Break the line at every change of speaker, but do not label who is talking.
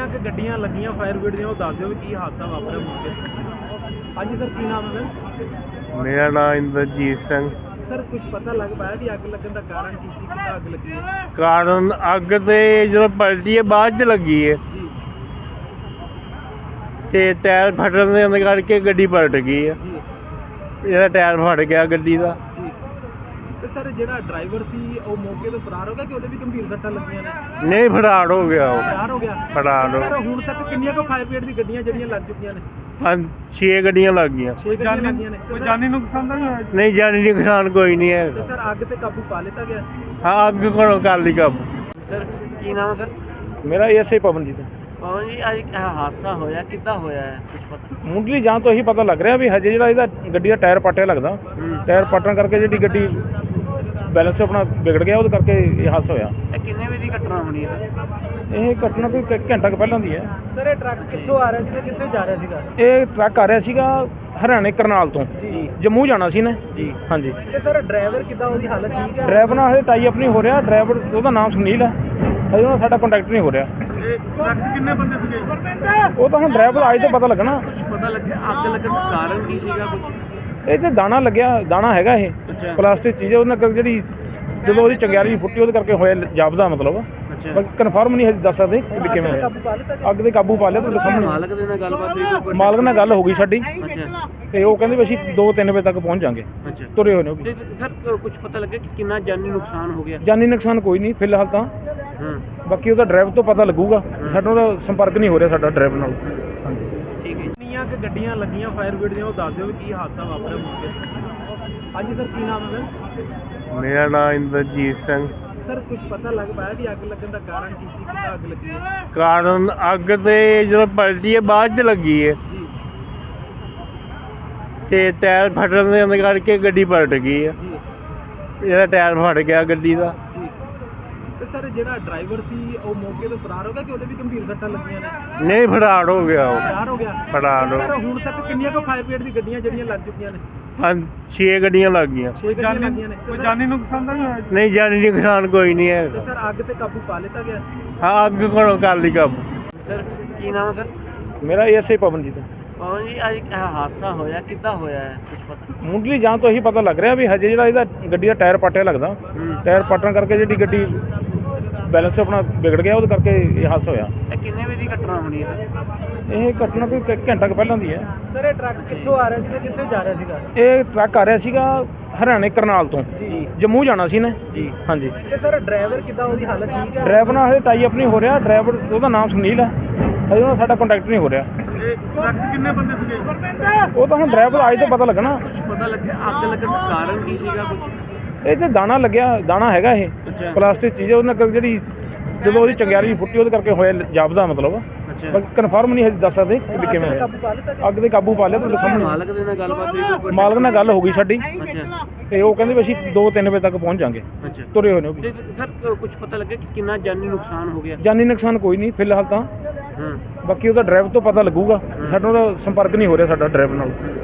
ਕਿ ਗੱਡੀਆਂ ਲੱਗੀਆਂ ਫਾਇਰ ਬ੍ਰਿਗੇਡ ਦੀਆਂ, ਉਹ ਦੱਸ ਦਿਓ ਵੀ ਕੀ ਹਾਦਸਾ ਵਾਪਰਿਆ ਮੌਕੇ ਤੇ। ਹਾਂਜੀ ਸਰ, ਕੀ ਨਾਮ ਹੈ ਸਰ?
ਮੇਰਾ ਨਾਮ ਇੰਦਰਜੀਤ ਸਿੰਘ।
ਸਰ ਕੁਝ ਪਤਾ ਲੱਗ ਪਾਇਆ ਵੀ ਅੱਗ ਲੱਗਣ ਦਾ ਕਾਰਨ ਕੀ ਸੀ, ਕਿੱਦਾਂ ਅੱਗ ਲੱਗੀ ਹੈ?
ਕਾਰਨ ਅੱਗ ਤੇ ਜਦੋਂ ਪਲਟੀ ਹੈ ਬਾਅਦ ਚ ਲੱਗੀ ਹੈ
ਜੀ
ਤੇ ਟਾਇਰ ਫਟਣ ਦੇ ਅੰਦਰ ਕਰਕੇ ਗੱਡੀ ਪਲਟ ਗਈ ਹੈ।
ਜੀ
ਇਹਦਾ ਟਾਇਰ ਫਟ ਗਿਆ ਗੱਡੀ ਦਾ।
ਜੀ। ਤੇ ਸਰ ਜਿਹੜਾ ਡਰਾਈਵਰ ਸੀ ਉਹ ਮੌਕੇ ਤੋਂ ਫਰਾਰ ਹੋ ਗਿਆ ਕਿ ਉਹਦੇ ਵੀ ਗੰਭੀਰ ਸੱਟਾਂ ਲੱਗੀਆਂ ਨੇ?
ਨਹੀਂ, ਫਰਾਰ ਹੋ ਗਿਆ ਉਹ।
ਫਰਾਰ ਹੋ ਗਿਆ।
ਫਰਾਰ ਹੋ
ਸਰ ਹੁਣ ਤੱਕ ਕਿੰਨੀਆਂ ਕੁ ਫਾਇਰ ਬ੍ਰਿਗੇਡ ਦੀ ਗੱਡੀਆਂ ਜਿਹੜੀਆਂ ਲੱਗ ਚੁੱਕੀਆਂ ਨੇ?
ਹਾਂ, 6 ਗੱਡੀਆਂ ਲੱਗ ਗਈਆਂ।
6 ਗੱਡੀਆਂ ਲੱਗੀਆਂ ਨੇ। ਕੋਈ ਜਾਨੀ ਨੁਕਸਾਨ ਤਾਂ ਨਹੀਂ ਹੋਇਆ?
ਨਹੀਂ, ਜਾਨੀ ਨੁਕਸਾਨ ਕੋਈ ਨਹੀਂ ਹੈ।
ਤੇ ਸਰ ਅੱਗ ਤੇ ਕਾਬੂ ਪਾ ਲਿੱਤਾ ਗਿਆ?
ਹਾਂ, ਅੱਗ ਕੋਲੋਂ ਕਰ ਲਈ ਕਾਬੂ।
ਸਰ ਕੀ ਨਾਮ ਹੈ ਸਰ?
ਮੇਰਾ ਐਸਏ ਪਵਨਜੀਤ।
ਪਵਨ ਜੀ, ਅੱਜ ਇਹ ਹਾਦਸਾ ਹੋਇਆ ਕਿੱਦਾਂ ਹੋਇਆ ਹੈ, ਕੁਝ ਪਤਾ?
ਮੁੱਢਲੀ ਜਾਂਚ ਤੋਂ ਇਹੀ ਪਤਾ ਲੱਗ ਰਿਹਾ ਵੀ ਹਜੇ ਜਿਹੜਾ ਇਹਦਾ ਗੱਡੀ ਦਾ ਟਾਇਰ ਪਾਟਿਆ ਲੱਗਦਾ। ਟਾਇਰ ਪਾਟਣ ਕਰਕੇ ਜਿਹੜੀ ਗੱਡੀ ਬੈਲੈਂਸ ਆਪਣਾ ਵਿਗੜ ਗਿਆ, ਉਹਦੇ ਕਰਕੇ ਇਹ ਹਾਦਸਾ ਹੋਇਆ।
ਇਹ ਕਿੰਨੇ ਵਜੇ ਦੀ ਘਟਨਾ ਹੋਣੀ ਹੈ?
ਇਹ ਘਟਨਾ ਕੋਈ ਘੰਟਾ ਕੁ ਪਹਿਲਾਂ ਦੀ ਹੈ।
ਸਰ ਇਹ ਟਰੱਕ ਕਿੱਥੋਂ ਆ ਰਿਹਾ ਸੀ ਤੇ ਕਿੱਥੇ ਜਾ ਰਿਹਾ ਸੀਗਾ?
ਇਹ ਟਰੱਕ ਆ ਰਿਹਾ ਸੀਗਾ ਹਰਿਆਣੇ ਕਰਨਾਲ ਤੋਂ,
ਜੀ
ਜੰਮੂ ਜਾਣਾ ਸੀ ਨੇ।
ਜੀ।
ਹਾਂਜੀ।
ਤੇ ਸਰ ਡਰਾਈਵਰ ਕਿੱਦਾਂ, ਉਹਦੀ ਹਾਲਤ ਠੀਕ ਹੈ?
ਡਰਾਈਵਰ ਨਾਲ ਹਜੇ ਟਾਈ ਅਪ ਨਹੀਂ ਹੋ ਰਿਹਾ। ਡਰਾਈਵਰ ਉਹਦਾ ਨਾਮ ਸੁਨੀਲ ਹੈ, ਹਜੇ ਉਹਨਾਂ ਸਾਡਾ ਕੰਟੈਕਟ ਨਹੀਂ ਹੋ ਰਿਹਾ।
ਇਹ ਟਰੱਕ 'ਚ ਕਿੰਨੇ ਬੰਦੇ ਸੀਗੇ?
ਉਹ ਤਾਂ ਹੁਣ ਡਰਾਈਵਰ ਅੱਜ ਤੋਂ ਪਤਾ ਲੱਗਣਾ।
ਕੁਝ ਪਤਾ ਲੱਗਿਆ ਅੱਗ ਲੱਗਣ ਦਾ ਕਾਰਨ ਕੀ ਸੀਗਾ ਕੁਝ?
ਇਹ ਤੇ ਦਾਣਾ ਲੱਗਿਆ, ਦਾਣਾ ਹੈਗਾ ਇਹ
ਅੱਛਾ।
ਪਲਾਸਟਿਕ ਚੀਜ਼ ਹੈ, ਉਹਨਾਂ ਕਰਕੇ ਜਿਹੜੀ ਜਦੋਂ ਉਹਦੀ ਚੰਗਿਆੜੀ ਫੁੱਟੀ ਉਹਦੇ ਕਰਕੇ ਹੋਇਆ ਜਾਪਦਾ, ਮਤਲਬ
ਅੱਛਾ।
ਬਾਕੀ ਕਨਫਰਮ ਨਹੀਂ ਹਜੇ ਦੱਸ ਸਕਦੇ ਕਿ ਕਿਵੇਂ ਹੋਇਆ।
ਕਾਬੂ ਪਾ ਲਿੱਤਾ ਗਿਆ?
ਅੱਗ ਤੇ ਕਾਬੂ ਪਾ ਲਿਆ ਤੁਹਾਡੇ ਸਾਹਮਣੇ।
ਮਾਲਕ ਦੇ ਨਾਲ ਗੱਲਬਾਤ ਹੋਈ ਕੋਈ?
ਮਾਲਕ ਨਾਲ ਗੱਲ ਹੋ ਗਈ ਸਾਡੀ
ਅੱਛਾ
ਤੇ ਉਹ ਕਹਿੰਦੇ ਵੀ ਅਸੀਂ 2-3 ਵਜੇ ਤੱਕ ਪਹੁੰਚ ਜਾਾਂਗੇ।
ਅੱਛਾ।
ਤੁਰੇ ਹੋਏ ਨੇ ਉਹ ਵੀ।
ਤੇ ਸਰ ਕੁਝ ਪਤਾ ਲੱਗਿਆ ਕਿ ਕਿੰਨਾ ਜਾਨੀ ਨੁਕਸਾਨ ਹੋ ਗਿਆ?
ਜਾਨੀ ਨੁਕਸਾਨ ਕੋਈ ਨਹੀਂ ਫਿਲਹਾਲ ਤਾਂ।
ਹਾਂ
ਬਾਕੀ ਉਹਦਾ ਡਰਾਈਵਰ ਤੋਂ ਪਤਾ ਲੱਗੂਗਾ। ਸਾਡਾ ਉਹਦਾ ਸੰਪਰਕ ਨਹੀਂ ਹੋ ਰਿਹਾ ਸਾਡਾ ਡਰਾਈਵਰ ਨਾਲ। ਹਾਂਜੀ।
ਠੀਕ ਹੈ।
ਕਿੰਨੀਆਂ ਕਿ ਗੱਡੀਆਂ ਲੱਗੀਆਂ ਫਾਇਰ ਬ੍ਰਿਗੇਡ ਦੀਆਂ, ਉਹ ਦੱਸ ਦਿਓ ਵੀ ਕੀ ਹਾਦਸਾ ਵਾਪਰਿਆ ਮੌਕੇ ਤੇ। ਹਾਂਜੀ ਸਰ, ਕੀ ਨਾਮ ਹੈ ਸਰ?
ਮੇਰਾ ਨਾਮ ਇੰਦਰਜੀਤ ਸਿੰਘ।
ਸਰ ਕੁਝ ਪਤਾ ਲੱਗ ਪਾਇਆ ਵੀ ਅੱਗ ਲੱਗਣ ਦਾ ਕਾਰਨ ਕੀ ਸੀ, ਕਿੱਦਾਂ ਅੱਗ ਲੱਗੀ ਹੈ?
ਕਾਰਨ ਅੱਗ ਤੇ ਜਦੋਂ ਪਲਟੀ ਹੈ ਬਾਅਦ ਚ ਲੱਗੀ ਹੈ
ਜੀ
ਤੇ ਟਾਇਰ ਫਟਣ ਦੇ ਅੰਦਰ ਕਰਕੇ ਗੱਡੀ ਪਲਟ ਗਈ ਹੈ।
ਜੀ
ਇਹਦਾ ਟਾਇਰ ਫਟ ਗਿਆ ਗੱਡੀ ਦਾ।
ਜੀ। ਤੇ ਸਰ ਜਿਹੜਾ ਡਰਾਈਵਰ ਸੀ ਉਹ ਮੌਕੇ ਤੋਂ ਫਰਾਰ ਹੋ ਗਿਆ ਕਿ ਉਹਦੇ ਵੀ ਗੰਭੀਰ ਸੱਟਾਂ ਲੱਗੀਆਂ ਨੇ?
ਨਹੀਂ, ਫਰਾਰ ਹੋ ਗਿਆ ਉਹ।
ਫਰਾਰ ਹੋ ਗਿਆ।
ਫਰਾਰ ਹੋ
ਸਰ ਹੁਣ ਤੱਕ ਕਿੰਨੀਆਂ ਕੁ ਫਾਇਰ ਬ੍ਰਿਗੇਡ ਦੀ ਗੱਡੀਆਂ ਜਿਹੜੀਆਂ ਲੱਗ ਚੁੱਕੀਆਂ ਨੇ?
ਹਾਂ, 6 ਗੱਡੀਆਂ ਲੱਗ ਗਈਆਂ।
6 ਗੱਡੀਆਂ ਲੱਗੀਆਂ ਨੇ। ਕੋਈ ਜਾਨੀ ਨੁਕਸਾਨ ਤਾਂ ਨਹੀਂ ਹੋਇਆ?
ਨਹੀਂ, ਜਾਨੀ ਨੁਕਸਾਨ ਕੋਈ ਨਹੀਂ ਹੈ।
ਤੇ ਸਰ ਅੱਗ ਤੇ ਕਾਬੂ ਪਾ ਲਿੱਤਾ ਗਿਆ?
ਹਾਂ, ਅੱਗ ਕੋਲੋਂ ਕਰ ਲਈ ਕਾਬੂ।
ਸਰ ਕੀ ਨਾਮ ਹੈ ਸਰ?
ਮੇਰਾ ਐਸਏ ਪਵਨਜੀਤ।
ਪਵਨ ਜੀ, ਅੱਜ ਇਹ ਹਾਦਸਾ ਹੋਇਆ ਕਿੱਦਾਂ ਹੋਇਆ ਹੈ, ਕੁਝ ਪਤਾ?
ਮੁੱਢਲੀ ਜਾਂਚ ਤੋਂ ਇਹੀ ਪਤਾ ਲੱਗ ਰਿਹਾ ਵੀ ਹਜੇ ਜਿਹੜਾ ਇਹਦਾ ਗੱਡੀ ਦਾ ਟਾਇਰ ਪਾਟਿਆ ਲੱਗਦਾ। ਟਾਇਰ ਪਾਟਣ ਕਰਕੇ ਜਿਹੜੀ ਗੱਡੀ ਬੈਲੈਂਸ ਆਪਣਾ ਵਿਗੜ ਗਿਆ, ਉਹਦੇ ਕਰਕੇ ਇਹ ਹਾਦਸਾ ਹੋਇਆ।
ਇਹ ਕਿੰਨੇ ਵਜੇ ਦੀ ਘਟਨਾ ਹੋਣੀ ਹੈ?
ਇਹ ਘਟਨਾ ਕੋਈ ਘੰਟਾ ਕੁ ਪਹਿਲਾਂ ਦੀ ਹੈ।
ਸਰ ਇਹ ਟਰੱਕ ਕਿੱਥੋਂ ਆ ਰਿਹਾ ਸੀ ਤੇ ਕਿੱਥੇ ਜਾ ਰਿਹਾ ਸੀਗਾ?
ਇਹ ਟਰੱਕ ਆ ਰਿਹਾ ਸੀਗਾ ਹਰਿਆਣੇ ਕਰਨਾਲ ਤੋਂ,
ਜੀ
ਜੰਮੂ ਜਾਣਾ ਸੀ ਨੇ।
ਜੀ।
ਹਾਂਜੀ।
ਤੇ ਸਰ ਡਰਾਈਵਰ ਕਿੱਦਾਂ, ਉਹਦੀ ਹਾਲਤ ਠੀਕ ਹੈ?
ਡਰਾਈਵਰ ਨਾਲ ਹਜੇ ਟਾਈ ਅਪ ਨਹੀਂ ਹੋ ਰਿਹਾ। ਡਰਾਈਵਰ ਉਹਦਾ ਨਾਮ ਸੁਨੀਲ ਹੈ, ਹਜੇ ਉਹਨਾਂ ਸਾਡਾ ਕੰਟੈਕਟ ਨਹੀਂ ਹੋ ਰਿਹਾ।
ਇਹ ਟਰੱਕ 'ਚ ਕਿੰਨੇ ਬੰਦੇ ਸੀਗੇ?
ਉਹ ਤਾਂ ਹੁਣ ਡਰਾਈਵਰ ਅੱਜ ਤੋਂ ਪਤਾ ਲੱਗਣਾ।
ਕੁਝ ਪਤਾ ਲੱਗਿਆ ਅੱਗ ਲੱਗਣ ਦਾ ਕਾਰਨ ਕੀ ਸੀਗਾ ਕੁਝ?
ਇਹ ਤੇ ਦਾਣਾ ਲੱਗਿਆ, ਦਾਣਾ ਹੈਗਾ ਇਹ
ਅੱਛਾ।
ਪਲਾਸਟਿਕ ਚੀਜ਼ ਹੈ, ਉਹਨਾਂ ਕਰਕੇ ਜਿਹੜੀ ਜਦੋਂ ਉਹਦੀ ਚੰਗਿਆੜੀ ਫੁੱਟੀ ਉਹਦੇ ਕਰਕੇ ਹੋਇਆ ਜਾਪਦਾ, ਮਤਲਬ
ਅੱਛਾ।
ਬਾਕੀ ਕਨਫਰਮ ਨਹੀਂ ਹਜੇ ਦੱਸ ਸਕਦੇ ਕਿ ਕਿਵੇਂ ਹੋਇਆ।
ਕਾਬੂ ਪਾ ਲਿੱਤਾ ਗਿਆ?
ਅੱਗ ਤੇ ਕਾਬੂ ਪਾ ਲਿਆ ਤੁਹਾਡੇ ਸਾਹਮਣੇ।
ਮਾਲਕ ਦੇ ਨਾਲ ਗੱਲਬਾਤ ਹੋਈ ਕੋਈ?
ਮਾਲਕ ਨਾਲ ਗੱਲ ਹੋ ਗਈ ਸਾਡੀ
ਅੱਛਾ
ਤੇ ਉਹ ਕਹਿੰਦੇ ਵੀ ਅਸੀਂ 2-3 ਵਜੇ ਤੱਕ ਪਹੁੰਚ ਜਾਾਂਗੇ।
ਅੱਛਾ।
ਤੁਰੇ ਹੋਏ ਨੇ ਉਹ ਵੀ।
ਤੇ ਸਰ ਕੁਝ ਪਤਾ ਲੱਗਿਆ ਕਿ ਕਿੰਨਾ ਜਾਨੀ ਨੁਕਸਾਨ ਹੋ ਗਿਆ?
ਜਾਨੀ ਨੁਕਸਾਨ ਕੋਈ ਨਹੀਂ ਫਿਲਹਾਲ ਤਾਂ।
ਹਾਂ
ਬਾਕੀ ਉਹਦਾ ਡਰਾਈਵਰ ਤੋਂ ਪਤਾ ਲੱਗੂਗਾ। ਸਾਡਾ ਉਹਦਾ ਸੰਪਰਕ ਨਹੀਂ ਹੋ ਰਿਹਾ ਸਾਡਾ ਡਰਾਈਵਰ ਨਾਲ।